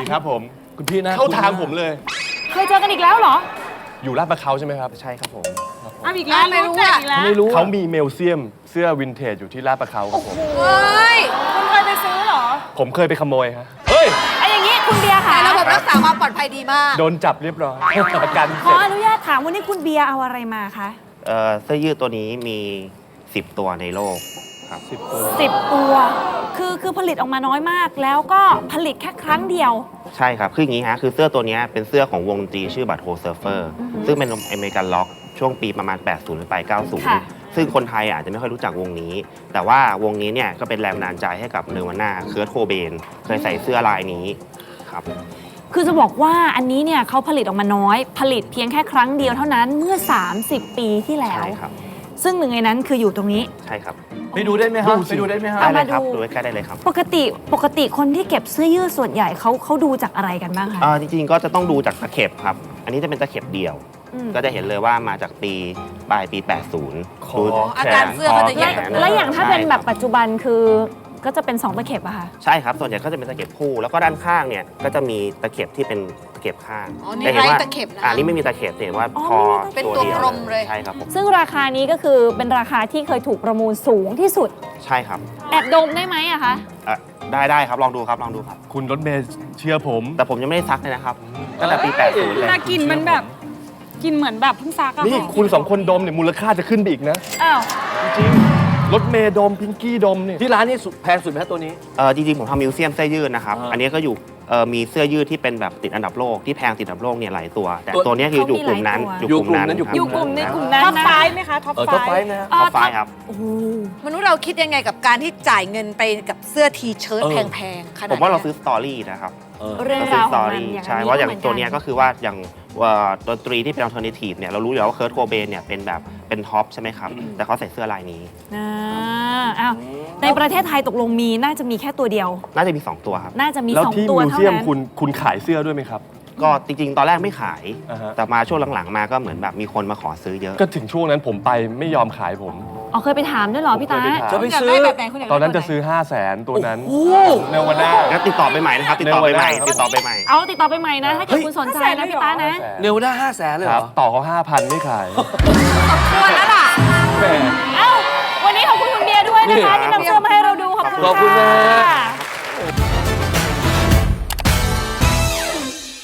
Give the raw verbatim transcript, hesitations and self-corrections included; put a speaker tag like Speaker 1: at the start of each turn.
Speaker 1: ครับผม
Speaker 2: คุณพี่นะ
Speaker 1: เข้าทางผมเลย
Speaker 3: เคยเจอกันอีกแล้วเหรอ
Speaker 1: อยู่ลาดประเขาใช่ไหมครับ
Speaker 4: ใช่ครับผม
Speaker 3: อ้าวอีกแล้วไม่รู้อ่ะอีกแล้ว
Speaker 2: ไม่รู้
Speaker 1: เขามีเมลเซียมเสื้อวินเทจอยู่ที่ลาดประเขาครับผม
Speaker 5: เฮ้ย
Speaker 3: คุณเคยไปซื้อเหรอ
Speaker 1: ผมเคยไปขโมยฮะ
Speaker 2: เฮ้ย
Speaker 3: ไอ้อย่างนี้คุณเบียร์ค่ะ
Speaker 5: แต่ระบบรักษาความปลอดภัยดีมาก
Speaker 1: โดนจับเรียบร้อยประกัน
Speaker 3: ข
Speaker 1: เสร็
Speaker 3: อ
Speaker 1: จ
Speaker 3: อนุญาตถามวันนี้คุณเบียร์เอาอะไรมาคะ
Speaker 4: เอ่อเสื้อยืดตัวนี้มีสิบตัวในโลกครับ
Speaker 2: สิบตัว
Speaker 3: สิบตัว คือคือผลิตออกมาน้อยมาก แล้วก็ผลิตแค่ครั้งเดียว
Speaker 4: ใช่ครับ คืออย่างนี้ฮะ คือเสื้อตัวนี้เป็นเสื้อของวงดนตรีชื่อบัตโฮเซิร์ฟเฟอร์ซึ่งเป็นอเมริกันล็อกช่วงปีประมาณ แปดสิบ หรือไป เก้าสิบ
Speaker 3: ค่ะ
Speaker 4: ซึ่งคนไทยอาจจะไม่ค่อยรู้จักวงนี้ แต่ว่าวงนี้เนี่ยก็เป็นแรงบันดาลใจให้กับเนวาน่าเคิร์ทโคเบนเคยใส่เสื้อลายนี้ครับ
Speaker 3: คือจะบอกว่าอันนี้เนี่ยเขาผลิตออกมาน้อย ผลิตเพียงแค่ครั้งเดียวเท่านั้นเมื่อ สามสิบ ปีที่แล้ว
Speaker 4: ใช่ครับ
Speaker 3: ซึ่งหนึ่งในนั้นคืออยู่ตรงนี้
Speaker 4: ใช่ครับ
Speaker 2: ไปดูได้ไหมครับไปดูได้ไหมครับ
Speaker 4: ได้เลยครับ
Speaker 3: เอามาดู
Speaker 4: ดูใกล้ๆได้เลยครับ
Speaker 3: ปกติปกติคนที่เก็บเสื้อยืดส่วนใหญ่เขาเขาดูจากอะไรกันบ้างคะ
Speaker 4: เอ่อจริงๆ ก็จะต้องดูจากตะเข็บครับ อันนี้จะเป็นตะเข็บเดี่ยว
Speaker 3: อืม
Speaker 4: ก็จะเห็นเลยว่ามาจากปีปลายปี แปดสิบ
Speaker 2: คอ
Speaker 4: ดู
Speaker 5: อาการเสื้อเขาจะใหญ่
Speaker 4: แขน
Speaker 3: แล้วอย่างถ้าเป็นแบบ
Speaker 4: ใช่
Speaker 3: ปัจจุบันคือก็จะเป็นสองตะเข็บอะค่ะ
Speaker 4: ใช่ครับ ส่วนใหญ่ก็จะเป็นตะเข็บคู่ แล้วก็ด้านข้างเนี่ยก็จะมีตะเข็บที่เป็นตะเข็บข้าง
Speaker 5: อ๋อนี่
Speaker 4: แต่ห็ว่า
Speaker 5: ไร้ตะเข็บนะ
Speaker 4: อ่านี่ไม่มีตะเข็บเห็นว่า
Speaker 3: อ๋อ
Speaker 4: คอ
Speaker 3: ไม่มีตะเข็บ
Speaker 5: เป็นตัว
Speaker 4: ดีย
Speaker 5: กลมเลย
Speaker 4: ใช่ครับผม
Speaker 3: ซึ่งราคานี้ก็คือเป็นราคาที่เคยถูกประมูลสูงที่สุด
Speaker 4: ใช่ครับ
Speaker 3: แอบดมได้ไหมอะคะ
Speaker 4: อ่ะได้ได้ครับ ลองดูครับ ลองดูครับ
Speaker 1: คุณรถเมย์เชื่อผม
Speaker 4: แต่ผมยังไม่ได้ซักเลยนะครับ ตั้งแต่ปี แปดสิบ เลย
Speaker 3: น่ากินมันแบบกินเหมือนแบบเพิ่งซักอะ
Speaker 1: นี่คุณสองคนดมเนี่ยมูลค่าจะขึ้นไปอีกนะ
Speaker 3: อ้าว
Speaker 1: จริงๆรถเมย์ดมพิงกี้ดมเนี่ย
Speaker 2: ที่ร้านนี่สุดแพงสุดไหมครับตัวนี้
Speaker 4: เออจริงๆ ผมทำมิวเซียมเสื้อยืดนะครับ
Speaker 2: อ่า
Speaker 4: อันนี้ก็อยู่เออมีเสื้อยืดที่เป็นแบบติดอันดับโลกที่แพงติดอันดับโลกเนี่ยหลายตัว แต่
Speaker 2: ตัว
Speaker 4: ตัวเนี้ยคืออยู่กลุ่มนั้น
Speaker 2: อยู่กลุ่มนั้น
Speaker 4: ครับ
Speaker 3: อยู่กลุ่มในกลุ่มนั้นนะท็อปไฟไหมคะท็อป
Speaker 2: เออ
Speaker 3: ไฟ
Speaker 2: ท็อปไฟว์นะฮะ
Speaker 4: ท็อปไฟว์ครับ
Speaker 3: โอ้โห
Speaker 5: มนุษย์เราคิดยังไงกับการที่จ่ายเงินไปกับเสื้อทีเชิ้ต
Speaker 2: เออ
Speaker 5: แพงๆขนาด
Speaker 4: ผมว่าเรา
Speaker 5: นี้ย
Speaker 4: ซื้อสตอรี่นะครับ
Speaker 2: เออ
Speaker 3: เรื่อง
Speaker 4: ซื้
Speaker 3: รา
Speaker 4: อ
Speaker 3: ว
Speaker 4: ส
Speaker 3: ข
Speaker 4: ต
Speaker 3: อ
Speaker 4: อง
Speaker 3: มัน
Speaker 4: รี่
Speaker 3: อย่าง
Speaker 4: ใช่
Speaker 3: นี้
Speaker 4: เพราะอย่าง
Speaker 3: หมื
Speaker 4: ตัวเนี้ยก็คือว่าอย่างว่าดนตรีที่เป็นอัลเทอร์เนทีฟเนี่ยเรารู้อยู่แล้วว่าเคิร์ทโคเบนเนี่ยเป็นแบบเป็นท็อปใช่ไหมครับ แต่เขาใส่เสื้อลายนี้
Speaker 3: อ่าอ้าวในประเทศไทยตกลงมีน่าจะมีแค่ตัวเดียว
Speaker 4: น่าจะมี สอง ตัวครับ
Speaker 3: น่าจะมี
Speaker 1: แล้ว
Speaker 3: สอง
Speaker 1: ที่
Speaker 3: ตัว
Speaker 1: มิว
Speaker 3: เท่า
Speaker 1: เซียม
Speaker 3: นั้น
Speaker 1: คุณคุณขายเสื้อด้วยไหมครับ
Speaker 4: ก็จริงๆ ตอนแรกไม่ขาย
Speaker 1: อ่าฮะ
Speaker 4: แต่มาช่วงหลังๆ มาก็เหมือนแบบมีคนมาขอซื้อเยอะ
Speaker 1: ก็ถึงช่วงนั้นผมไปไม่ยอมขายผม
Speaker 3: อ๋อเคยไปถามด้วยเหรอพี่ตา
Speaker 1: ผมเคยไปถาม
Speaker 2: จะไปซื้อ
Speaker 5: ยากได้แบบไหนคุณยากได้
Speaker 1: ตอนนั้นจะ
Speaker 5: แบบไห
Speaker 1: ซื้อ 5 0 0แสนตัวนั้น
Speaker 2: โอ้โห
Speaker 1: เนวาน่า
Speaker 4: งั้นติดต่อไปใหม่นะครับ ติดต่อไปใหม่
Speaker 1: เนวาน่า
Speaker 4: ติดต่อไปใหม่
Speaker 3: เอาติดต่อไปใหม่นะ ถ้าเกิด
Speaker 2: เฮ้ย
Speaker 3: คุณสนใจนะพี่ตานะ
Speaker 2: เนวด้าห้าแสนเลย
Speaker 1: ค
Speaker 2: เหร
Speaker 1: รับ
Speaker 2: อ
Speaker 1: ต่อเขาห้าพันไม่ขาย
Speaker 5: ควรแล้วล่ะ
Speaker 1: แหม
Speaker 3: เอ้าวันนี้ขอบคุณคุณเบียร์ด้วยนะคะที่นำเสื้อมาให้เราดูขอบคุณ
Speaker 2: ขอบคุณนะ
Speaker 3: ค่ะ